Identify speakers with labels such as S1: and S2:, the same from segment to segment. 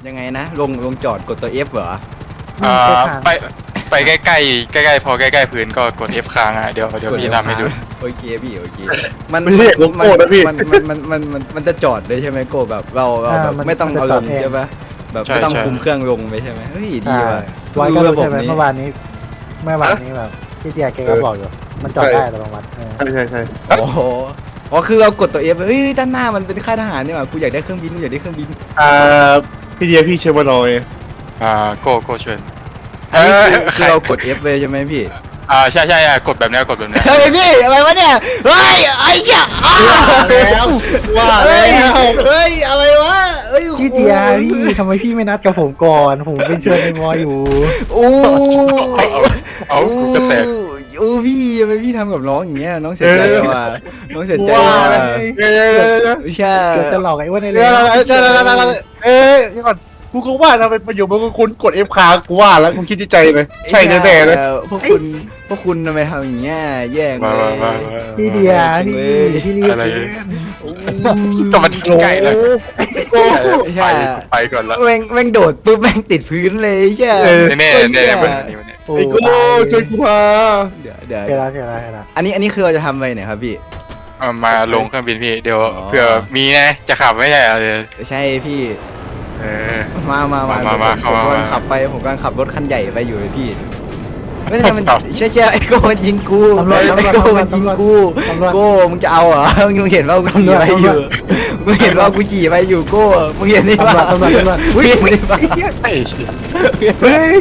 S1: ยังไงนะลงจอดกดตัว F เหรอ
S2: ไปใกล้ๆใกล้ๆพอใกล้ๆพื้นก็กด F ค้างอ่ะเดี๋ยวพี่ทำให้ดู
S1: โอเคพี่โอเคมัน
S3: ไม่เรียกโก้นะพี่
S1: มันจะจอดเลยใช่ไหมโก้แบบเราแบบไม่ต้องเอาลงใช่ปะแบบไม่ต้องคุมเครื่องลงไปใช่ไหมเฮ้ยดีว่ะ
S4: ไว้ก็รู้ใช่ไหมเมื่อวานนี้แบบพี่เตียแกก็บอกอยู่มันจอดได้แต่บางวัน
S3: ใช่
S1: โอ้โหอ๋อคือเรากดตัว F เฮ้ยด้านหน้ามันเป็นค่ายทหารนี่หว่ากูอยากได้เครื่องบิน
S3: พี่เดียพี่เชฟวานอย
S2: โก้เชิญ
S1: อันนี้คือเรากด F เลยใช่ไหมพี่
S2: ใช่กดแบบนี้กดแบบนี้
S1: เฮ้ยพี่อะไรวะเนี่ยเฮ้ยไอ้เหี้ย
S3: แล้วว่าแล้ว
S1: เฮ้ยอะไรวะเฮ้ย
S4: พี่เตียพี่ทำไมพี่ไม่นัดกับผมก่อนผมเป็นเชิญในวออยู่
S1: โอ้
S2: เอาก็แตก
S1: โอ้พี่ทำไมพี่ทำกับน้องอย่างเงี้ยน้องเสียใจว่ะน้องเสียใจ
S4: ว่า
S1: ว่ะใช่
S4: จะหลอกไอ้อ้วนในเรื
S3: นี่ก่อนกูก็ว่าทำไมประโยชน์มันคุณกด F ค้างกูว่าแล้วกูคิดในใจเลยใช่แน่ๆเลย
S1: พวกคุณทำไมทำอย่างเงี้ยแย่งเลย
S4: พี่เดียพี่รีบ
S2: อะไรก็มันใกล้แล้วไปก่อนละ
S1: แม่งโดดปุ๊บแม่งติดพื้นเลยใช่
S2: แน่วันนี้
S3: ไอ้กูช่วยกูพา
S1: เดี๋ยว
S4: เดี๋ยว
S1: อันนี้คือเราจะทำไปไหนครับพี่
S2: มาลงเครื่องบินพี่เดี๋ยวเผื่อมีนะจะขับไม่ใช่เลย
S1: ใช่พี่
S2: มา
S1: ผมกำลังขับไปผมกำลังขับรถคันใหญ่ไปอยู่เลยพี่ไม่ใช่มันเชื่อไอ้โก้มันยิงกูไอ้โก้มันยิงกูโก้มึงจะเอาเหรอมึงเห็นว่ากูขี่ไปอยู่มึงเห็นว่ากูขี่ไปอยู่โก้มึงเห็นนี่ป่ะ
S4: ตำรวจ
S1: มึงเห็นนี่ป่ะ
S2: ไอ้
S4: เฮ้ย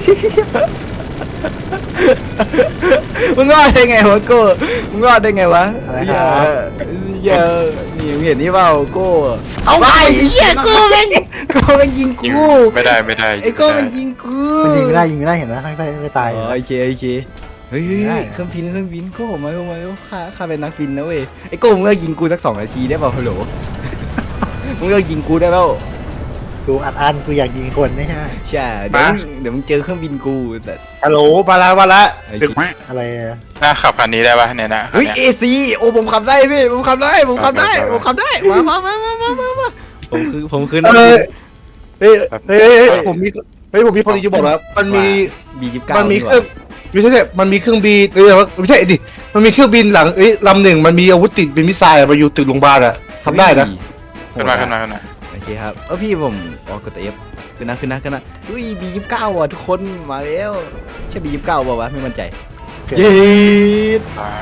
S1: มึงรอดได้ไงวะโก้มึงรอดได้ไงวะอย่านี่มึงเห็นนี่เปล่าโก้เอาไปเหี้ยโก้แม่งยิงกู
S2: ไม่ได้
S1: ไอ้โก้มันยิงกู
S4: มันยิงไม่ได้เห็นไหมข้างใต้ไม่ตาย
S1: โอเคเฮ้ยเครื่องบินโก้มาข้าเป็นนักบินนะเว้ยไอ้โก้มึงเลิกยิงกูสัก2 นาทีได้เปล่าฮัลโหลมึงเลิกยิงกูได้เปล่า
S4: กูอัดกูอยากยิงคนไม่ใช่
S1: ใช่เดี๋ยวมึงเจอเครื่องบินกูแต่
S3: ฮัลโหลมาละ
S4: อะไร
S2: น่าขับคันนี้ได้ป่ะเนี่ยนะ
S1: เฮ้ย AC โอ้ผมขับได้พี่ผมขับได้มาผมคือนักบิน
S3: เฮ้ยผมมีคนจะบอกแล้วมันมี
S1: B29
S3: มันมีเครื่องไม่ใช่มันมีเครื่องบินไม่ใช่ดิมันมีเครื่องบินหลังลำหนึ่งมันมีอาวุธติดเป็นมิสไซล์มาอยู่ตึกโรงพยาบาลอะทำได้นะ
S2: ขึ้นมา
S1: โอเคครับพี่ผมกดตัว F ขึ้นนะอุ้ย B29 อ่ะทุกคนมาแล้วใช่ B29 เปล่าวะไม่มั่นใจเย็ด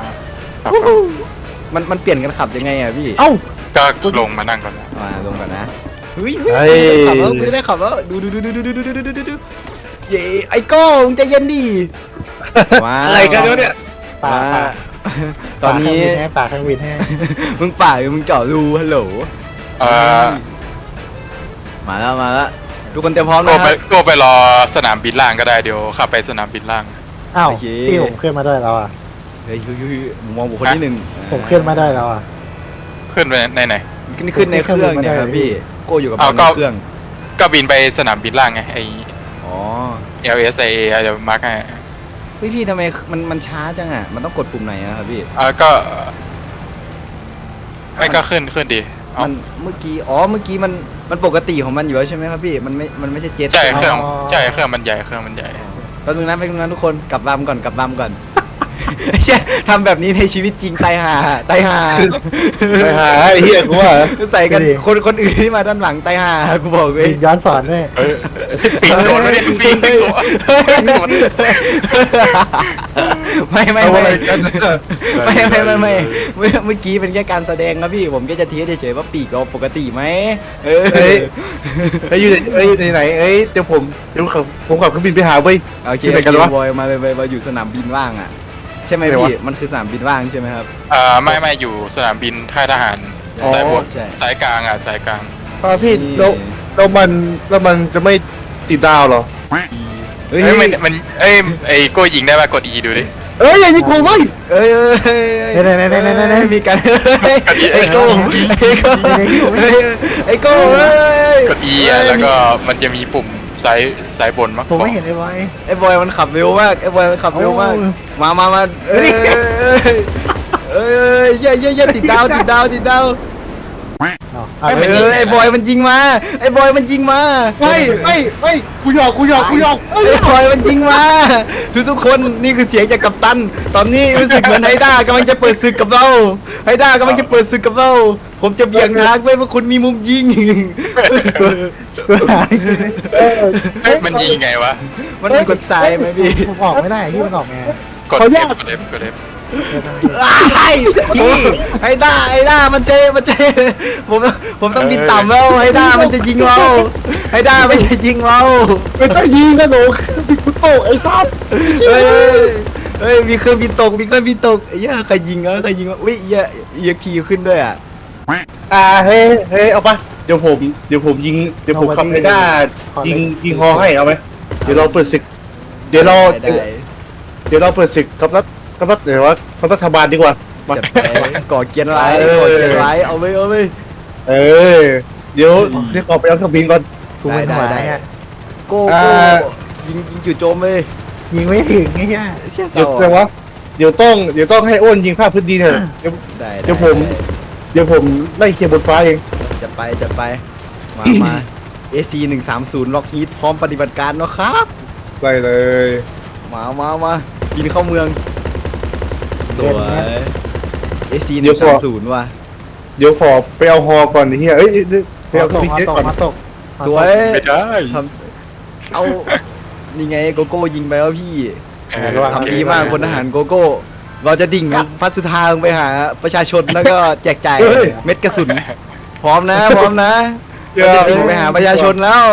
S1: มันเปลี่ยนกันขับยังไงอ่ะพี่
S4: เอ้า
S2: ก็ลงมานั่งก่อนนะ
S1: มาลงก่อนนะเฮ้ยขับแล้วไม่ได้ขับแล้วดูเย้ไอ้โก้มึงใจเย็นดิมา
S3: อะไรกันเนี่ย
S1: มาตอนนี้
S4: ปากเครื่องบินให้
S1: มึงป่าหรือมึงเจาะรูฮัลโหลมาแล้วทุกคนเตรียมพร้อมนะครับ
S2: ก็ไปรอสนามบินล่างก็ได้เดี๋ยวขับไปสนามบินล่าง
S4: อ้าวพี่ผมขึ้นมาด้วยแล้วอ่ะ
S1: เฮ้ยมองบุคคลที่หนึ่ง
S4: ผมขึ้นมาได้แล้วอ่ะ
S2: ขึ้นไปไหน
S1: ขึ้นในเครื่องเนี่ยครับพี่โก้อยู่กับเครื่อง
S2: ก็บินไปสนามบินล่างไงไอ
S1: อ๋อ
S2: LSIA เดี๋ยวมาร์กให้
S1: พี่ทำไมมันช้าจังอ่ะมันต้องกดปุ่มไหนอะครับพี่
S2: ก็ไม่ก็ขึ้นดี
S1: มันเมื่อกี้มันปกติของมันอยู่แล้วใช่ไหมครับพี่มันไม่ใช่เจ็ต
S2: ใช่เครื่องมันใหญ่
S1: แป๊บนึงนะทุกคนกลับลำก่อนใช่ทำแบบนี้ในชีวิตจริงตายห่า
S3: ไอ้เหี้ยกูว่า
S1: ใส่กันคนอื่นที่มาด้านหลังตายห่ากูบอกเลย
S4: ย้อนสอนด้วย
S2: ปิงโดนไม่ได้ปิงโดน
S1: ไม่เมื่อกี้เป็นแค่การแสดงครับพี่ผมแค่จะเทียบเฉยๆว่าปีกเราปกติไหม
S3: อยู่ไหนเดี๋ยวผมขับเครื่องบินไปหาเว้ย
S1: โอเคบอยมาเลยมาอยู่สนามบินว่างอ่ะใช่ไหมพี่มันคือสนามบินว่างใช่ไหมครับ
S2: ไม่อยู่สนามบินท่าทหารสายบนสายกลางสายกลาง
S3: พี่แล้วมันจะไม่ติดดาวหรอ
S2: มันไอ้โก้ยิงได้ป่ะกด E ดูดิ
S3: อย่ายิงกูเว้ย
S1: มีกันไอ้โก้
S2: กด E แล้วก็มันจะมีปุ่มสายบนมั้ง
S4: ผมไม่เห็น
S1: ไอ้บอยมันขับเร็วมากมาอย่าติดดาว
S4: เอา
S1: ไอ้บอยมันยิงมาไอ้บอยมันยิงมา
S3: ไม่กูหยอก
S1: ไอ้บอยมันยิงมาทุกคนนี่คือเสียงจากกัปตัน ตอนนี้รู้สึกเหมือนไฮด้ากำลังจะเปิดศึกกับเราไฮด้ากำลังจะเปิดศึกกับเรา ผมจะเบี่ยงทางไว้เพราะคุณมีมุมยิง
S4: กูหาย
S2: เฮ้ยมันยิงไงวะ
S1: มันกดซ้ายไหมพี่
S4: ผมออกไม่ได้พี่มันออกไง
S2: กด F กด F กด F
S1: ไอ้พี่ไฮด้ามันเจผมต้องบินต่ำแล้วไฮด้ามันจะยิงเราไฮด้ามันจะยิงเรา
S3: ไม่ต้องยิงนะหนูพี่กูโตไอ้ซับ
S1: เฮ้ยมีเครื่องบินตกไอ้เหี้ยใครยิงวะอุ้ยเหี้ยพีขึ้นด้วยอ่ะ
S3: เฮ้ยเอาปะเดี๋ยวผมยิงขับไอ้ด้ายิงฮอให้เอาไหมเดี๋ยวเราเปิดศึกเดี๋ยวเราเปิดศึกกับรัฐเดี๋ยวว่ากับรัฐบาลดีกว่ามา
S1: จัดไปก่อเกียร์ไว้เอาเลย
S3: เดี๋ยวขอไปเอาเครื่องบินก่อน
S4: กูเป็นหัวเนี่ย
S1: โก้ยิงจู่โจมเลย
S4: ยิงไม่ถึงไอ้เหี้ย
S1: เชี่ย
S3: เดี๋ยว
S1: เศร้า
S3: แต่ว่าเดี๋ยวต้องให้อ้นยิงภาพพื้นดินเถอะเดี๋ยวผมไล่เคลียร์บนฟ้าเอง
S1: จัดไปมา AC 130ล็อกฮีทพร้อมปฏิบัติการเนาะครับ
S3: ไล่เลย
S1: มาบินเข้าเมืองสวย AC 130ว่ะ
S3: เดี๋ยวขอไปเอาฮอก่อนไอ้เหี้ยไปเอาเค
S4: ต
S3: รื่อง
S4: ก
S3: บินเจ็ตก่อน
S4: มาตก
S1: สวย
S2: ไม่ได้
S1: ทำเอานี่ไงโกโก้ยิงไปแล้วพี่ ทำดีมากพลทหารโกโก้ เราจะดิ่งฟัดสุดทางไปหาประชาชนแล้วก็แจกจ่ายเม็ดกระสุน พร้อมนะเราจะดิ่งไปหาประชาชนแล้ว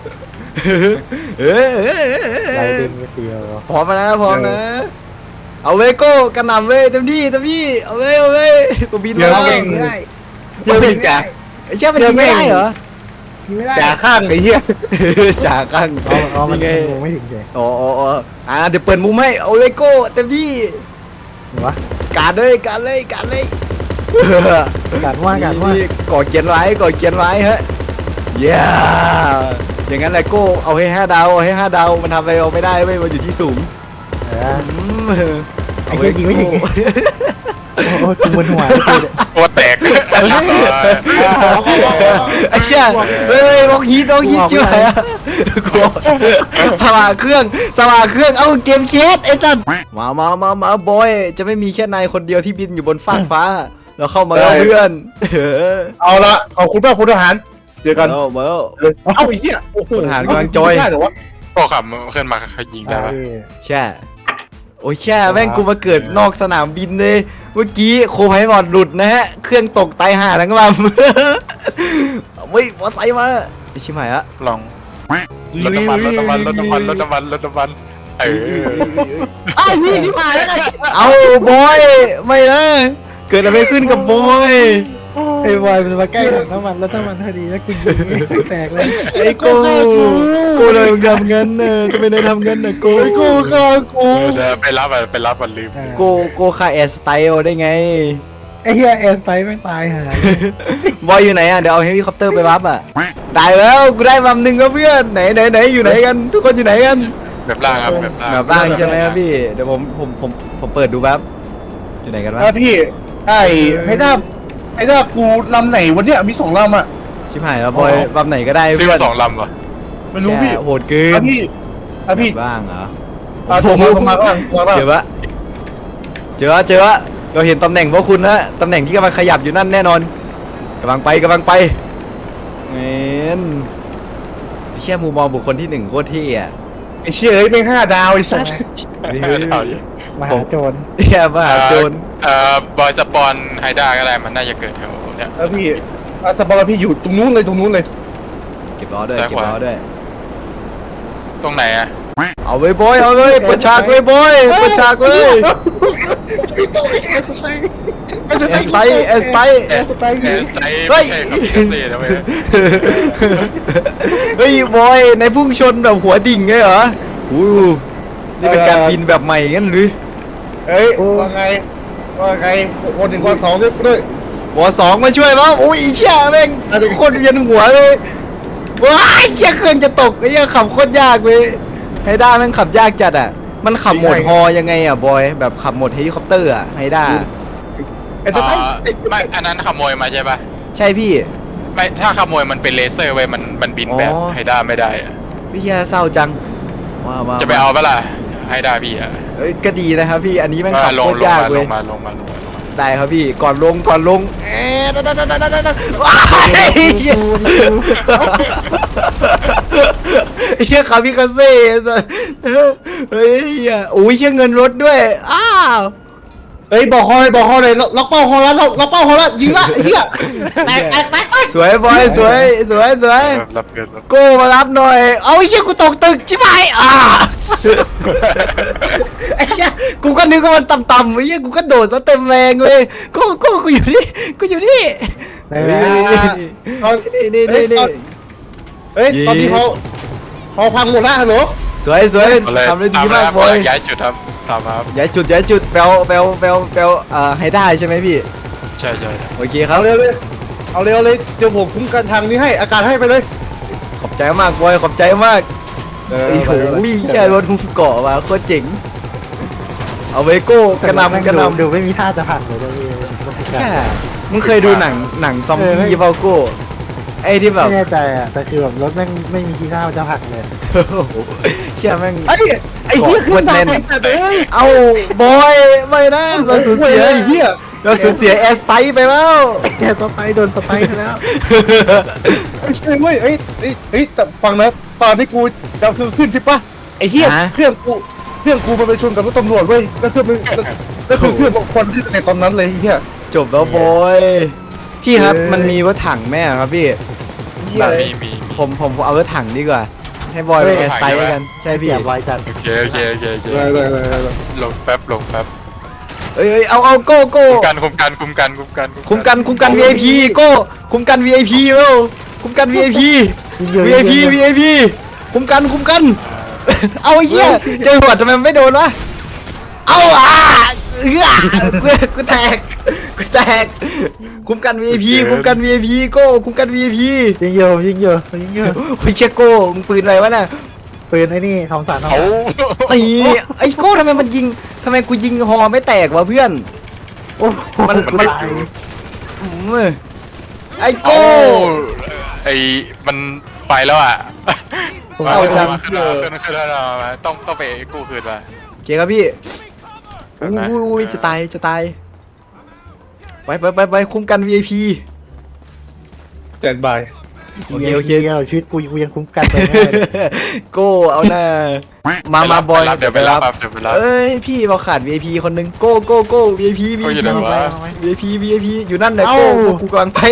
S4: ไรดินไปเสียว
S1: พร้อมนะเอาเว้ยโก้กระหน่ำเว้ยเต็มที่เอาเว้ยกูบินมาแล้ว
S4: ไม่ได้
S3: เดี๋ยวพี่จ่า
S1: ไอ้เชี่ยมันยิงไม่ได้เหรอ
S4: ยิงไม่ได้
S3: จ่าข้างไอ้เหี้ย
S1: จ่าข้าง
S4: มัน
S1: นี่ไง
S4: ไม่ถึงใจ
S1: อ๋อเดี๋ยวเปิดมุมให้เอาเว้ยโก้เต็มที่
S4: หรอวะ
S1: การเลย
S4: การว่า
S1: นี่ก่อเกียนไว้ฮะเย้อย่างนั้นแหละโก้เอาให้5 ดาวมันทำอะไรเอาไม่ได้เว้ยมันอยู่ที่สูง
S4: ไอ้เหี้ยยิงไม่ถึงโอ้ยกูมึนหัว
S2: ตัวแตก
S1: ไอ้เชี่ยเฮ้ยล็อกฮีทชิบหายอะกลัวสว่างเครื่องเอาเกมเคสไอ้สัสมาบอยจะไม่มีแค่นายคนเดียวที่บินอยู่บนฟากฟ้าเราเข้ามาแล้วเพื่อน
S3: เอาละขอบคุณมากพลทหารเจอกัน
S1: มาแล้ว
S3: เอาไอ้เหี้ยโอ้โห
S1: พลทหารกำลังจอย
S3: ได้เหรอวะ
S2: ก็ขับขึ้นมาเขายิงได้ปะ
S1: แช่โอ้ยแช่แม่งกูมาเกิดนอกสนามบินเลยเมื่อกี้โคไพบอดหลุดนะฮะเครื่องตกตายห่าทั้งลำเฮ้ยมอไซค์มาไอ้ชิบหายอะ
S2: ลองรถน้ำมัน
S3: ไอ้นี่ที่มาแล้วไง
S1: เอาบอยไม่นะเกิดอะไรขึ้นกับบอย
S4: ไอ้บอยมันมาใกล้ถังน้ำมันแล้วถ้ามันพอดีแล้วกูยิงแตกเลย
S1: ไอ้โกเลยทำงั้นน่ะทำไมนายทำงั้นน่ะโก
S3: ไอ้กูฆ่ากู
S2: จะไปรับมันลืม
S1: โกฆ่าแอร์สไตล์ได้ไง
S4: ไอ้เหี้ยแอร์ไซด์ไม่ตายหาย
S1: บอยอยู่ไหนอ่ะเดี๋ยวเอาเฮลิคอปเตอร์ไปรับอ่ะได้แล้วกูได้ลำหนึ่งแล้วเพื่อนไหนอยู่ไหนกันทุกคนอยู่ไหนกัน
S2: แบบล่างครับแบบล่าง
S1: แบบบ้างใช่ไหมครับพี่เดี๋ยวผมเปิดดูแป๊บอยู่ไหนกันวะ
S3: พี่ให้ได้กูลำไหนวันเนี้ยมี2ลำอ่ะ
S1: ชิบหายแล้วบอยลำไหนก็ได้
S2: ซื้อ
S1: เพื่อน
S2: มา2 ลำเหรอ
S3: ไม่รู้พี่
S1: แค่โหดเกิน
S3: พี่
S1: บ้างเหรอ
S3: โทรมาก็
S1: เจอวะเราเห็นตำแหน่งพวกคุณนะตำแหน่งที่กำลังขยับอยู่นั่นแน่นอนกำลังไปเงินเชี่ยมุมมองบุคคลที่1โคตรเท่อะ
S3: ไอ้เชี่ยเอ้ยไม่5 ดาวไอ้สัส
S4: มหาโจร
S1: เฮียมหาโจร
S2: บอยสปอนไฮด้าก็ได้มันน่าจะเกิดแถวเนี้ย
S3: แล้วพี่สปอร์พี่อยู่ตรงนู้นเลย
S1: เก็บล้อด้วย
S2: ตรงไหนอะ
S1: เอาไว้บอยเปิดฉากไว้บอยเปิดฉากไว้เอสไต
S2: แอร์ไซด์ไม่ใช่ครับเอสเซ่นะเว้ย
S1: เฮ้ยบอยในพุ่งชนแบบหัวดิ่งไงเหรออู้นี่เป็นการบินแบบใหม่งั้นหรือ
S3: เอ้ยว่าไงคน1คน2ด้วย
S1: วอ2มาช่วยมั้งอุ้ยเชี่ยแม่งโคตรเวียนหัวเลยว้ายเชี่ยเครื่องจะตกไอ้เหี้ยขับโคตรยากเลยไฮด้าแม่งขับยากจัดอ่ะมันขับโหมดฮอยังไงอ่ะบอยแบบขับโหมดเฮลิคอปเตอร์อ่ะไฮด้า
S3: ไอ้ตัว
S2: ไม่อันนั้นขโมยมาใช่ปะ
S1: ใช่พี่
S2: ไม่ถ้าขโมยมันเป็นเลเซอร์ไว้มันบินแบบ
S1: อ๋อ
S2: ไฮด้าไม่ได้อะ
S1: พี่แย่เศร้าจังมา
S2: จะไปเอาปะล่ะไฮด้าพี่อะ
S1: เอ้ยก็ดีนะครับพี่อันนี้แม่งขับ
S2: ล
S1: โค
S2: ง
S1: ตรยากเว้ย
S2: มา
S1: ได้ครับพี่ก่อนลงเอ๊ะว้ายเฮียคามิคาเซ่เฮ้ยโอ้ยเฮียเงินรถด้วยอ้าว
S3: เฮ้ยบอกฮอเลยล็อกเป้าฮอแล้วล็อกเป้าฮอแล้วยิงละไอ้เหี้ยแตก
S1: สวยบอยสวย
S2: รับเกิน
S1: โก้มารับหน่อยเอาไอ้เฮียกูตกตึกชิบหายไอ้เฮียกูก็นึกว่ามันต่ำๆไอ้เฮียกูก็โดดซะเต็มแรงเลยกูอยู่นี่
S4: ได้แล้ว
S1: นี่
S3: เฮ้ยตอนนี้ฮอพังหมดแล้วฮัลโหล
S1: สวยทำได้ดีมากบอย
S2: ย้ายจุดครับตามครับ
S1: ย้ายจุดแปลให้ได้ใช่ไหมพี่
S2: ใช่
S1: โอเคครั
S3: เอา
S1: บ
S3: เร็วเลยเดี๋ยวผมคุ้มกันทางนี้ให้อากาศให้ไปเลย
S1: ขอบใจมากบอยขอบใจมากโอ้โหแค่รถหุ้มเกาะมาโคตรเจ๋งเอาไว้โก้กระนำ
S4: ดูไม่มีท่าจะพังเลยด้วย
S1: แค่มึงเคยดูหนังซอมบี้เปล่าโก้ไอ้ที่แบบ
S4: ไม่แน่ใจอ่ะแต่คือแบบรถแม่งไม่มีทีท่าจะพังเลย
S1: เชี่ยแม่ง
S3: ไอ้เหี้ยขึ้นมาแต่เอ้ย
S1: เอาบอยไม่นะเราสูญเสีย
S3: ไอ้เหี้ย
S1: แอสไตไปแล้ว
S4: แกสไปโดนสไปไปแล้ว
S3: ไม่ใช่เว้ยเอ้ยแต่ฟังนะตอนที่กูจะขึ้นใช่ปะไอ้เหี้ยเครื่องกูมันไปชนกับรถตำรวจเว้ยก็คือเพื่อนบางคนที่ในตอนนั้นเลยไอ้เหี้ย
S1: จบแล้วบอยพี่ครับมันมีรถถังแม่ครับพี่ แบบ
S2: มี
S1: ผมเอารถถังดีกว่า ให้บอยไปแอสไตกันใช่พี่
S4: เสียบไวจัด
S2: โอเค
S3: ได้
S2: ลงแป๊บ
S1: เอ้ยเอาโก้
S2: คุมกัน
S1: VIP โก้คุมกัน VIP เว้ยคุมกัน VIP คุมกันเอาไอ้เหี้ยเจอหัวทำไมมันไม่โดนวะเอากูแตกคุมกัน VIP โก้คุมกัน VIP
S4: ยิงเยอะ
S1: โอ้ยเชี่ยโก้มึงปืนอะไรวะน่ะ
S4: ปืนไอ้นี่ทองสารทอง
S2: เขา
S1: ตีไอ้โก้ทำไมกูยิงฮอไม่แตกวะเพื่อน
S4: โอ้มัน
S2: ไม่
S4: ตาย
S1: ไอ้
S2: โอ้
S1: โก้
S2: ไอมันไปแล้วอ่ะ
S1: เศร้าจัง
S2: ขึ้นแล้วมาต้องไปกู้คืนมา
S1: โอเคครับพี่อุ้ยจะตายไปคุมกัน VIP
S3: แตนบาย
S1: โอเค
S4: ชีวิตกูยังคุ้มกันไป
S1: โก้เอาหน้ามาบอย
S2: เดี๋ยวไปรับ
S1: เอ้ยพี่เราขาด VIP คนหนึ่งโก้ VIP อยู่นั่นเลยโก้กูกำลังไป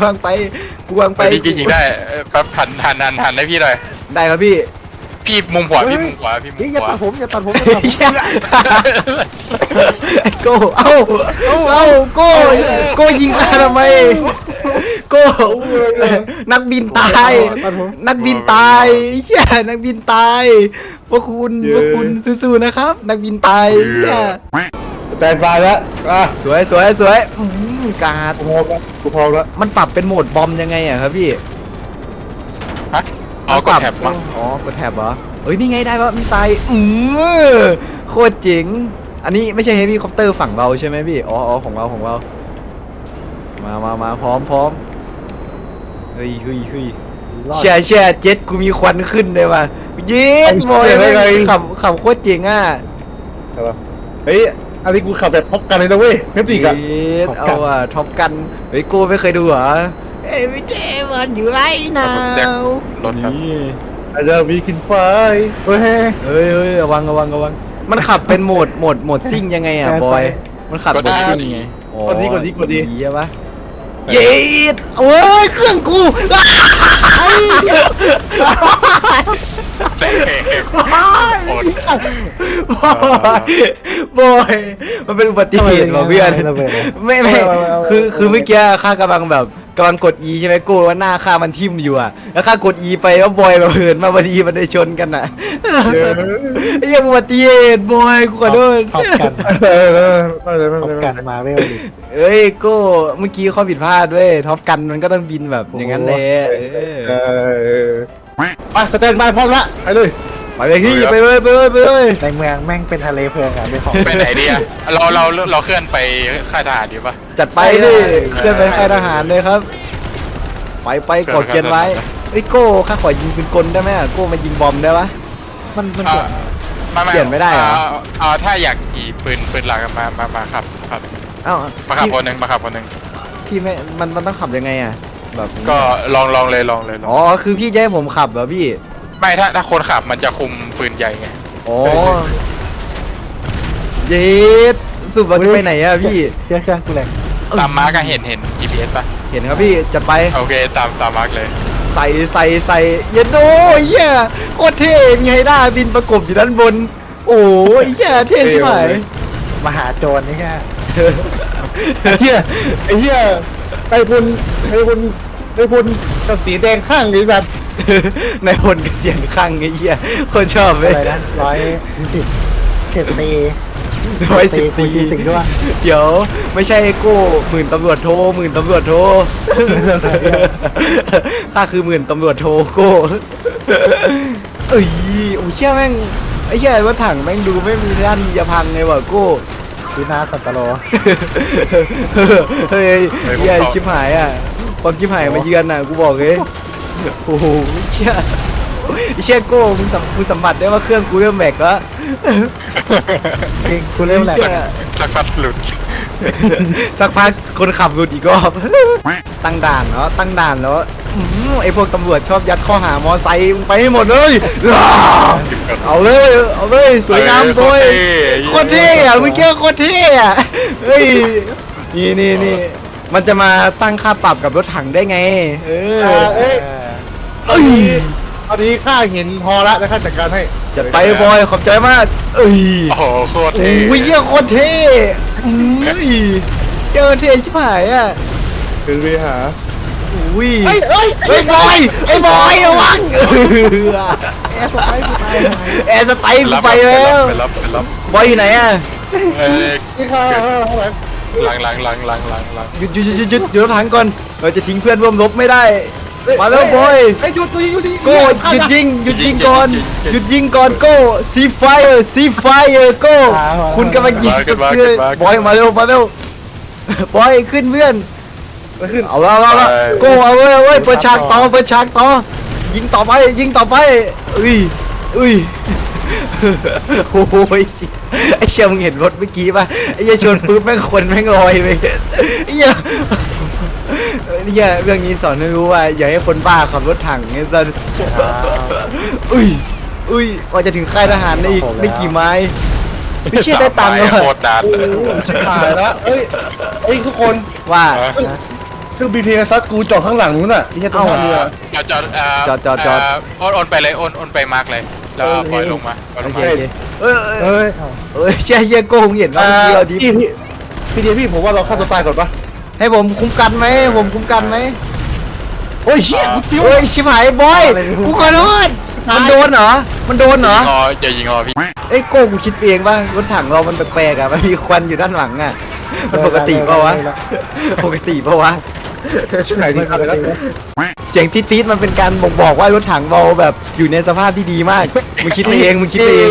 S2: จริงได้แป๊บหันให้พี่หน่อย
S1: ได้ครับพี่
S2: พี่มุมขวา
S4: อย่าตัดผมอย่าตัดผม
S1: ไอ้โก้เอ้าโก้ยิงมาทำไมโก้นักบินตายนักบินตายเฮียนักบินตายพวกคุณสู้ๆนะครับ นักบินตายเฮีย
S3: แตนบายแล้ว
S1: สวยการ์ด
S3: กูพร้อมแล้ว
S1: มันปรับเป็นโหมดบอมยังไงอะครับพี่
S2: ฮะเอากดแท็บมั้ง
S1: อ๋อกดแท็บเหรอเอ้ยนี่ไงได้ปะมิสไซล์โคตรเจ๋งอันนี้ไม่ใช่เฮฟวี่คอปเตอร์ฝั่งเราใช่ไหมพี่อ๋อของเรามาพร้อมเฮ้ยเชี่ยเจ็ตกูมีควันขึ้นเลยว่ะเย็ดบอยขับโคตรเจ๋งอ่ะ
S3: เฮ้ยอันนี้กูขับแบบท็อปกันเลยนะเว้ยเมฟริกอะ
S1: เย็ดเอาอ่ะท็อปกันเฮ้ยกูไม่เคยดูเหรอevery day when you right now
S2: รถครับ
S1: นี่
S3: อาจจะมีกินไฟเฮ้ย
S1: ระวังมันขับเป็นโหมดซิ่งยังไงอ่ะบอยมันขับโหมดซิ่งยังไง
S3: กดดี
S1: ใช่ปะเย็ดโอ้ยเครื่องกูบอยมันเป็นอุบัติเหตุว่ะเพื่อนไม่คือเมื่อกี้ข้ากำลังกด E ใช่ไหมกูว่าหน้าข้ามันทิ่มอยู่อ่ะแล้วข้ากด E ไปแล้วบอยมาเหินมาพอดีมันได้ชนกันอ่ะไอ้ยังอุบัติเหตุบอยกูขอโทษ
S4: ท็อปกัน ท็อปกันมาเวลดิ
S1: เอ้ยโก้เมื่อกี้ข้อผิดพลาดเว้ยท็อปกันมันก็ต้องบินแบบอย่างนั้นเลย
S3: ไปสแตนบายพร้อมละไปเลย
S1: ไปเลยพี่ไปเลย
S4: ในเมืองแม่งเป็นทะเลเพลิงอ่ะเป็นของ
S2: ไปไหนดีอะเราเคลื่อนไปค่ายทหารดีป่ะ
S1: จัดไปดิเคลื่อนไปค่ายทหารเลยครับไปกดเกียนไว้ไอ้ยโก้ข้าขอยิงปืนกลได้ไหมอะโก้มายิงบอมได้ปะ
S4: มันเปลี่ยน
S1: เปลี่ยนไม่ได้เหรอ
S2: ถ้าอยากขี่ปืนหลักมาขับ
S1: เอ้า
S2: มาขับ
S1: พี่
S2: คนหนึ่งมาขับคนหนึ่ง
S1: พี่ไม่มันต้องขับยังไงอะแบบ
S2: ก็ลองเลย
S1: อ๋อคือพี่จะให้ผมขับเหรอพี่
S2: ไม่ถ้าคนขับมันจะคุมปืนใหญ่ไง
S1: อ๋อเย็ดสุดว่าจะไปไหนอะพี่
S4: เครื่องกูแรง
S2: ตามมาร์กเห็น GPS ป่ะ
S1: เห็นครับพี่จัดไป
S2: โอเคตามมาร์กเลย
S1: ใส่เย็นโอ้ยเหี้ยโคตรเท่มีไฮด้าบินประกบอยู่ด้านบน โอ้ยเหี้ยเท่ใช่ไหม
S4: มหาโจรนี่แค่
S3: ไอ้เหี้ยไอ้พลกับสีแดงข้างนี้แบบ
S1: ในพลเกษียณข้างไอ้เหี้ยคนชอบเล
S4: อะ
S1: ย
S4: ไรนะ110เขตตี
S1: 110
S4: ตี
S1: ตี
S4: สิ่งด้วย
S1: เดี๋ยวไม่ใช่โก้หมื่นตำรวจโทข้าคือหมื่นตำรวจโทโก้เอ้ยโอ้เชี่ยแม่งไอ้เหี้ยรถถังแม่งดูไม่มีท่าทีจะพังไงวะโก้
S4: ดีนาสัตโล
S1: เฮ้ยเหี้ยชิบหายอ่ะความชิบหายมาเยือนอ่ะกูบอกเลยโอ้โหเชี่ยเชี่ยโก้มึงสัมผัสได้ว่าเครื่องกูเริ่มแบกแล้ว
S4: จริงกูเริ่มแหลก
S2: สักพักหลุด
S1: สักพักคนขับหลุดอีกรอบ ตั้งด่านแล้วไอ้พวกตำรวจชอบยัดข้อหามอไซค์มึงไปให้หมดเลยเอาเลยสวยงามโดยโคตรเท่อะเมื่อกี้โคตรเท่อะเฮ้ยนี่มันจะมาตั้งค่าปรับกับรถถังได้ไงเออ
S3: เอ้ยตอนนี้ข้าเห็นพอละแล้วข้าจัดการให้
S1: จัดไปบอยขอบใจมากเอ้ย
S2: โอ้โหโคตรเท่
S1: โอ้ยเหี้ยโคตรเท่เจอเท่ชิบหายอ่ะ
S3: คือไปหา
S1: อุ้ย
S3: เอ้ย
S1: ไอ้บอยระวัง
S4: แอร์สไปร์กูไป
S1: แอร์สไตล์กูไปแล้ว
S2: ไปรับ
S1: บอยอยู่ไหนอ่ะ
S3: ที่ข้า
S2: หลัง
S1: หยุดรถถังก่อนเราจะทิ้งเพื่อนร่วมรบไม่ได้มาแล้วบอย
S3: ไอ้หยุดดิ
S1: โก้หยุดยิงก่อนโก้ซีไฟโก้คุณกำลังยิงสุดเลยบอยมาเร็วบอยขึ้นเพื่อน
S3: ขึ้น
S1: เอาโก้เอาเว้ยเปิดฉากต่อยิงต่อไปอุ้ยโอ้ยไอ้เชี่ยมึงเห็นรถเมื่อกี้ป่ะไอ้เชี่ยชนปุ๊บแม่งคนแม่งลอยไปไอ้เชี่ยเรื่องนี้สอนให้รู้ว่าอย่าให้คนบ้าขับรถถังไงสัสอุ้ยว่าจะถึงค่ายทหารได้อีกไม่กี่ไม้ไม่เชี่ยได้ตังค์
S2: โคตรนานเลย
S3: ตายแล้วเอ้ยทุกคน
S1: ว่า
S3: เครื่องบินเพลซัสกูจอดข้างหลังนู้นอ่ะที่จะต้องเรือ
S2: จอดโอนไปเลยโอนไปมาร์กเลยแล้วปล่อยลงมา
S1: โอเคเ
S4: เอ้ย
S1: เชี่ยโก้มึงเห็นว่าเมื่อกี้เราดิ
S3: พี่ผมว่าเราฆ่าตัวตายก่อนปะ
S1: ให้ผมคุ้มกันไหม
S3: โอ้ยเชี่ยกูจิ้ว
S1: เฮ้ยชิบหายบอยกูขอโทษมันโดนเหรอ
S2: อย่ายิงพี่
S1: เอ้ยโก้กูคิดเองป่ะรถถังเรามันแปลกๆอ่ะมันมีควันอยู่ด้านหลังอ่ะมันปกติปะวะ
S3: ชื่อไหนดีครับแล้ว
S1: เสียงติ๊ดๆมันเป็นการบ่งบอกว่ารถถังเราแบบอยู่ในสภาพที่ดีมากมึงคิดไปเอง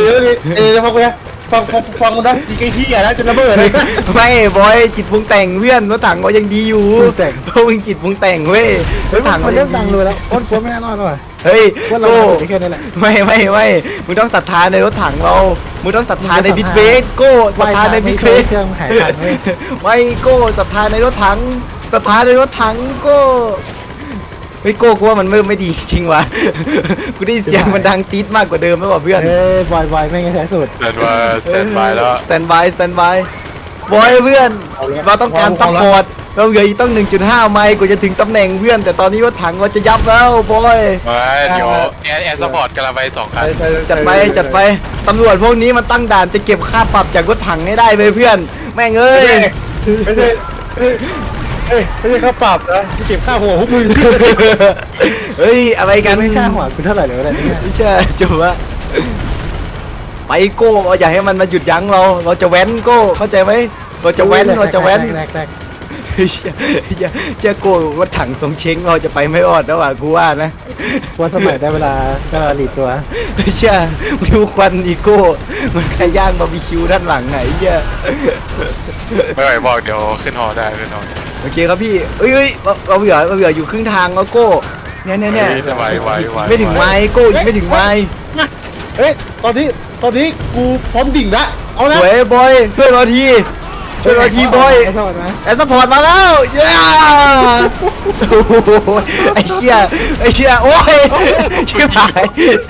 S3: ฟังมันได้ดีไอ้ที่อ่ะนะจะระเบิดเลย
S1: ไม่บอยจิตปรุงแต่งเพื่อนรถถังเรายังดีอยู่เพราะมึงจิตปรุงแต่งเว้ยรถถัง
S4: มัน
S1: เรา
S4: เริ่
S1: ยั
S4: ม
S1: ง
S4: ดัง
S1: ดี
S4: เลยแล้วอ้นกลัวไม่แน่นอนว่ะ
S1: เฮ้ย
S4: ว่าเรา
S1: โก้
S4: ไม่แค่นี้แหละ
S1: ไม่มึงต้องศรัทธาในรถถังเรามึงต้องศรัทธาในบิ๊กเบรกโก้ศรัทธาในบิ๊กเบรก
S4: เครื่องหายทันเว้ย
S1: ไม่โก้ศรัทธาในรถถังศรัทธาในรถถังโก้เฮ้ยโก้กูว่ามันไม่ดีจริงว่ะกูได้ยินเสียงมันดังตี๊ดมากกว่าเดิมแล้วว่ะเพื่อน
S4: เอ้ยบอยไม่งั้นใช้สุด
S2: สแตนบายแล้ว
S1: สแตนบายบอยเพื่อนเราต้องการซัพพอร์ตเราเหลืออีกต้อง 1.5 ไมล์กว่าจะถึงตำแหน่งเพื่อนแต่ตอนนี้รถถังเราจะยับแล้วบอย
S2: เดี๋ยวแอร์สปอร์ตกำลังไป2 คัน
S1: จัดไปตำรวจพวกนี้มันตั้งด่านจะเก็บค่าปรับจากรถถังให้ได้เลยเพื่อนแม่งเอ้ย
S3: ไม่ใช่ค่าปรับนะที่เก็บค่าหัวพวกมึง
S1: เฮ้ยอะไรกัน
S4: ไม่ค่าหัวกูเท่าไหร่เลยวะเนี่ย
S1: ไม่ใช่จบละไปโก้เราอย่าให้มันมาหยุดยั้งเราจะแว้นโก้เข้าใจไหมเราจะแว้นเจ้าโก้รถถังทรงเช้งเราจะไปไม่รอดแล้วว่ะกูว่านะ
S4: ว่าสมัยได้เวลาก็หลีดตัว
S1: ไม่ใช่ดูควันอีโก้มันใครย่างบาร์บีคิวด้านหลังไงเหี้ย
S2: ไม่ไหวบอกเดี๋ยวขึ้นหอได้
S1: โอเคครับพี่เอ้ยเราเหลืออยู่ครึ่งทางแล้วโก้เนี่ย
S2: ไหว
S1: ไม่ถึงไม้โก้ยังไม่ถึงไม้
S3: เฮ้ยตอนนี้กูพร้อมดิ่งละเอา
S1: ส
S3: ละ
S1: วยบอยช่วยเราทีบอย
S4: ขอโทษนะ
S1: แอสซัพพอร์ตมาแล้วเย้โอ้โหไอ้เชี่ยโอ้ยชิบหาย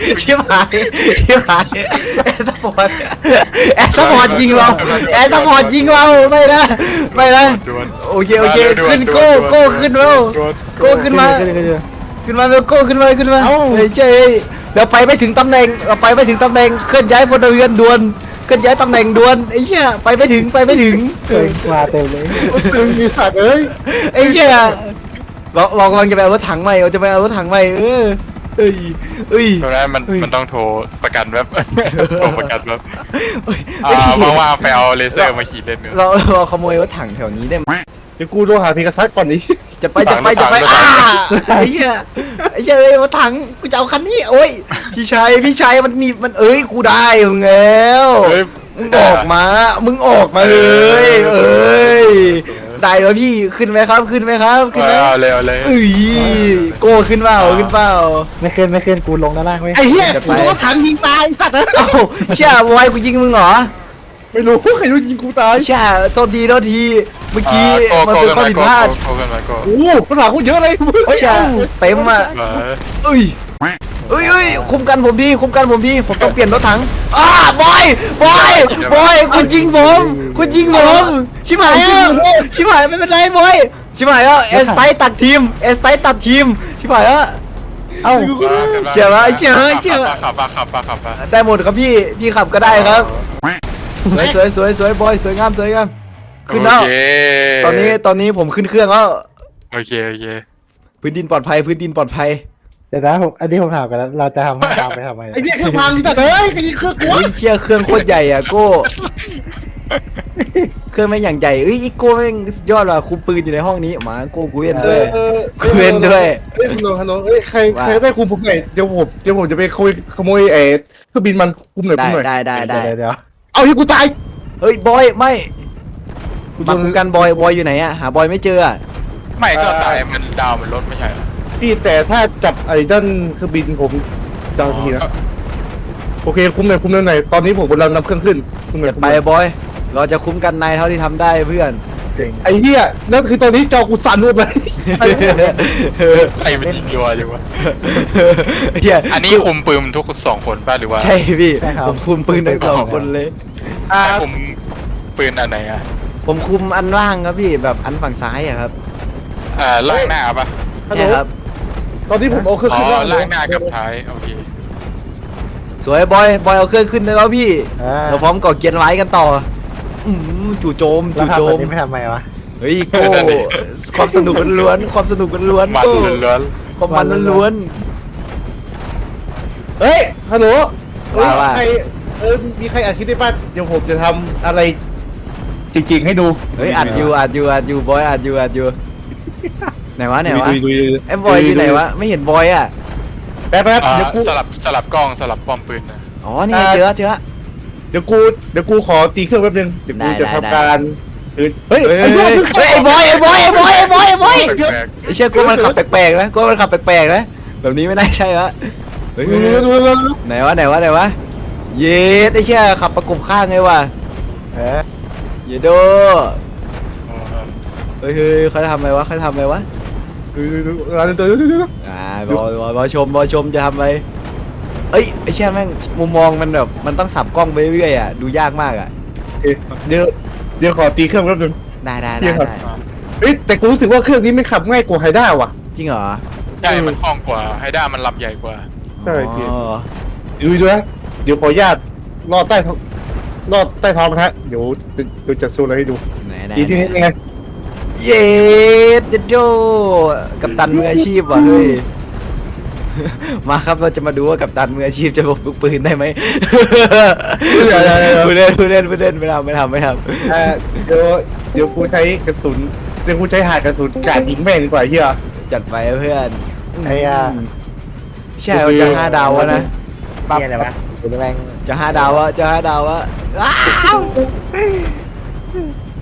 S1: แอสซัพพอร์ตยิงเราไม่นะโอเคขึ้นโก้ขึ้นแล้วโก้ขึ้นมาเร็วโก้ขึ้นมาเฮ้ยเจ๊เดี๋ยวไปไม่ถึงตำแหน่งเคลื่อนย้ายพลเรือนด่วนเคลื่อนย้ายตำแหน่งด่วนไอ้เหี้ยไปไม่ถึง
S4: เกินกว่าเต็มเลย
S3: ตึงมีสัตว์เอ้ย
S1: ไอ้เหี้ยเรากำลังจะไปเอารถถังใหม่เอ้ย
S2: ตรงนั้นมันต้องโทรประกันแบบโทรประกันแบบ
S1: เอ้ย
S2: ว่างๆไปเอาเลเซอร์มาขี่เล่นเนื้อ
S1: เราขโมยรถถังแถวนี้ได้ไหม
S3: เดี๋ยวกูโทรหาพีกษัตริย์ก่อนนี้
S1: จะไปไอ้เหี้ยเอ้ยรถถังกูจะเอาคันนี้โอ้ยพี่ชายมันเอ้ยกูได้มึงแล้วมึงออกมาเลยเอ้ยได้แล้วพี่ขึ้นไหมครับ
S2: เอาเลย
S1: เอ้ยโก้ขึ้นเปล่า
S4: ไม่ขึ้นกูลงด้านล่างไว้
S3: ไอ้เหี้ยกูโดนถังยิงตายสัตว์เอ้ย
S1: เอ้าเชี่ยวายกูยิงมึงเหรอ
S3: ไม่รู้ใครโดนยิงกูตาย
S1: เชี่ยโทษทีเมื่อกี้มันเป็นข้อผิดพลาด
S2: โกกันมาโก
S3: โอ้โหปัญหากูเยอะเลย
S1: เชี่ยเต็มอ่ะเอ้ยคุมกันผมดีผมต้องเปลี่ยนรถถังบอยคุณยิงผมชิบหายไม่เป็นไรบอยชิบหายแล้วเอสไตตัดทีมชิบหายแล้ว
S4: เอ้า
S1: เชื่อ
S2: ขับ
S1: ได้หมดครับพี่ขับก็ได้ครับสวยบอยสวยงามขึ้นแล้วตอนนี้ผมขึ้นเครื่องแล้ว
S2: โอเค
S1: พื้นดินปลอดภัย
S4: เดี๋ยวนะอันนี้ผมถามกันแล้วเราจะทำให้ตามไปทำไม
S3: ไอ้เหี้ยเครื่องพังสัตว์เอ้ยใครยิงเครื่องกู
S1: เฮ้ยเชี่ยเครื่องโคตรใหญ่อ่ะโก้เครื่องแม่งอย่างใหญ่อีโก้แม่งสุดยอดว่ะคุมปืนอยู่ในห้องนี้มาโก้กูเล่นด้วย
S3: เฮ้ยฮัลโหลเอ้ยใครได้คุมผมหน่อยเดี๋ยวผมจะไปขโมยเครื่องบินมันคุมหน่อย
S1: ได้
S4: เดี๋ยว
S3: เอาที่กูตาย
S1: เฮ้ยบอยไม่มาคุมกันบอยอยู่ไหนอ่ะหาบอยไม่เจอ
S2: ไม่ก็ตายมันดาวมันลดไม่ใช่
S3: พี่แต่ถ้าจับไอ้ด้านเครื่องบินผมจะเอาทีนะโอเคคุมหน่อยตอนนี้ผมกำลังนำเครื่องขึ้นคุมหน่อย
S1: ไปบอยเราจะคุ้มกันนายเท่าที่ทำได้เพื่อน
S4: เก่ง
S3: ไอ้เหี้ยนั่นคือตอนนี้จอกูสั่นหมดเลย
S2: ใครมันยิงยัวจังวะ
S1: เฮีย
S2: อันนี้คุมปืนทุก2 คนป่ะหรือว่า
S1: ใช่พี่ผมคุมปืนทั้ง2 คนเลย
S2: คุมปืนอันไหนอ่ะ
S1: ผมคุมอันว่างครับพี่แบบอันฝั่งซ้ายอะครับ
S2: ล่างหน้าป่ะ
S1: ใช่ครับ
S3: ตอนนี้ผมเอาเครื่องขึ้น
S2: ล่างหน้ากับท้ายโอเค
S1: สวยบอยเอาเครื่องขึ้นเลยแล้วพี่เราพร้อมก่อเกียร์ไว้กันต่อจู่โจม
S4: เราทำแบบนี้ไม่ทำไมวะ
S1: เฮ้ยโก้ความสนุกล้วนความมันล้วน
S3: เฮ้ยฮัลโหลใครมีใครอัดคลิปได้ป่ะเดี๋ยวผมจะทำอะไรจริงๆให้ดู
S1: เฮ้ยอัดอยู่บอยอัดอยู่ไหนวะไอ้บอยอยู่ไหนวะไม่เห็นบอยอ่ะ
S3: แป๊บเดี๋ยวกู
S2: สลับกล้องสลับป้อมปืนนะ
S1: อ๋อนี่เจอ
S3: เดี๋ยวกูขอตีเครื่องแป๊บนึงเดี๋ยวกูจะทำการเฮ้ย
S1: ไอ้บอยไอ้เชี่ยกูมันขับแปลกๆนะแบบนี้ไม่น่าใช่ละเฮ้ยไหนวะเย็ดไอ้เชี่ยขับประกบข้างไงวะเยโดเฮ้ยเขาทำอะไรวะบอชมจะทำอะไรเอ้ยไอ้เชี่ยแม่งมุมมองมันแบบมันต้องสับกล้องไปเรื่อยอ่ะดูยากมากอ่ะ
S3: เดี๋ยวขอตีเครื่องแป๊บนึง
S1: ได้
S3: เฮ้ยแต่กูรู้สึกว่าเครื่องนี้ไม่ขับง่ายกว่าไฮด้าว่ะ
S1: จริงเหรอ
S2: ใช่มันคล่องกว่าไฮด้ามันลำใหญ่กว่า
S3: ใช่จริงดูนะเดี๋ยวขออนุญาตลอดใต้ท้องนะฮะเดี๋ยวจะโชว์อะไรให้ดู
S1: ไหน
S3: ทีนี้ยังไง
S1: เย็ดโยกัปตันมืออาชีพว่ะเฮ้ยมาครับเราจะมาดูว่ากัปตันมืออาชีพจะพกลูกปืนได้ไหมผู้เล่นไม่ทำ
S3: เดี๋ยวกูใช้กระสุนเดี๋ยวกูใช้หาดกระสุนกาดยิงแม่งดีกว่าเฮีย
S1: จัดไปเพื่อน
S4: ไอ้ยา
S1: ใช่เราจะ5 ดาววะนะ
S4: นี่อะไรวะคุณแม่ง
S1: จะ5 ดาววะว้าว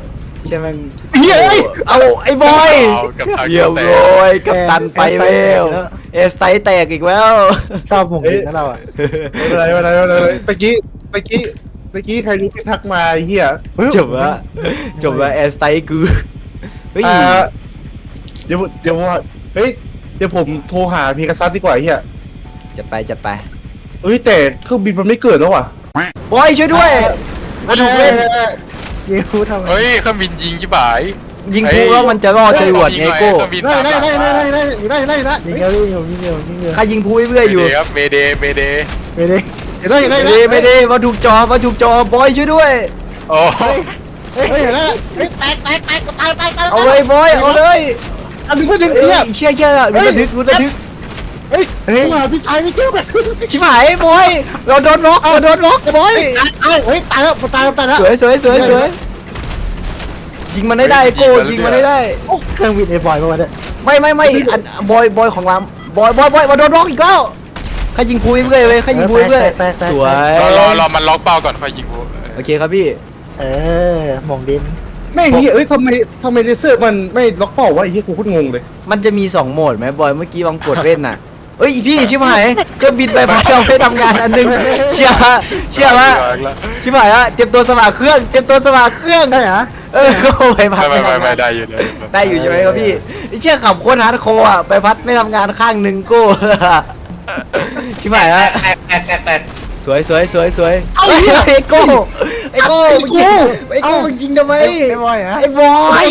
S1: ใช่ไหมง
S3: เฮียเอ้ย
S1: เอาไอ้บอย
S2: เอากับทาง
S1: เยี่ยม
S2: แต่
S1: เลยกับตันไปแล้วเอสไตแตกอีกแล้ว
S4: ชอบหมงดินนะเราอ่ะ
S3: อะไรเมื่อกี้ใครรู้ที่ทักมาไอ้เฮีย
S1: จบว่าเอสไตกูเฮ้ย
S3: เดี๋ยวว่าเฮ้ยเดี๋ยวผมโทรหาพีกัสซัสดีกว่าไอ้เฮีย
S1: จะไป
S3: เฮ้ยแต่เครื่องบินมันไม่เกิดแล้วว่ะ
S1: บอยช่วยด้วยมาถูกเล่น
S4: ยิงพูดทำไม
S2: เฮ้ยเครื่องบินยิงชิบหาย
S1: ยิงพูแล้วมันจะรอดจรวดไงโก้
S2: เครื่องบินตามหลังมา
S3: ได้
S4: ยิงเร็วยิงเร็วยิงเร็ว
S1: ข้ายิงพูเรื่อยๆอยู่
S2: เมเดย์
S4: ไม่ได้
S1: ไม่ได้มาถูกจอบอยช่วยด้วย
S2: โอ้
S3: เฮ้ยเห็นแล้ว
S1: เอาเลยบอยเอาเลย
S3: อันนี้ก็ดึง
S1: เอ้
S3: เฮีย
S1: ยเชี่ยรุนระทึก
S3: เฮ้ยมาพี่ชายไม่เกี่ยวกัน
S1: ชิบหายบอยเราโดนล็อกบอย
S3: เฮ้ยตายแล้ว
S1: สวยยิงมันได้โก้ยิงมันได้
S4: เครื่องบินไอ้บอยมาเนี่ย
S1: ไม่อันบอยของเราบอยมาโดนล็อกอีกแล้วข้ายิงพูเรื่อยเลยข้ายิงพูเรื่อยสวย
S2: รอมันล็อกเป้าก่อนค่อยยิงกู
S1: โอเคครับพี่
S4: หมงดิน
S3: แม่งเฮียเอ้ยทำไมเลเซอร์มันไม่ล็อกเป้าวะไอ้เฮียกูโคตรงงเลย
S1: มันจะมี2โหมดไหมบอยเมื่อกี้ลองกดเล่นน่ะเอ้ยพี่ชิบหายเครื่องบินไปพัดเราไม่ทำงานอันนึงเชื่อว่าชิบหายละเตรียมตัวสมัครเครื่อง
S4: ได้เหรอ
S1: ก็ไปพัด
S2: ไม่ได้อยู่เลย
S1: ได้อยู่ใช่ไหมครับพี่เชื่อขับโคตรฮาร์ดโคร์อ่ะไปพัดไม่ทำงานข้างหนึ่งโก้ชิบหายละสวยไอ้โก้มึงยิงทำไม
S4: ไอ้บอยฮะ
S1: ไอ้บอย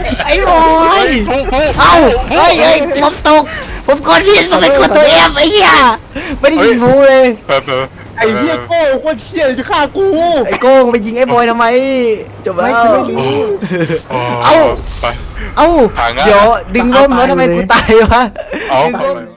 S1: เอ้าเฮ้ยผมกดผิดผมไปกดตัวเอฟไอ้เหี้ยไม่ได้ยิงพูเลย
S3: ไอ้เฮียโก้โคตรเฮียจะฆ่ากู
S1: ไอ้โก้งไปยิงไอ้บอยทำไมจบแล้วเอ้าเดี๋ยวดึงร่มแล้วทำไมกูตายวะ
S2: เอา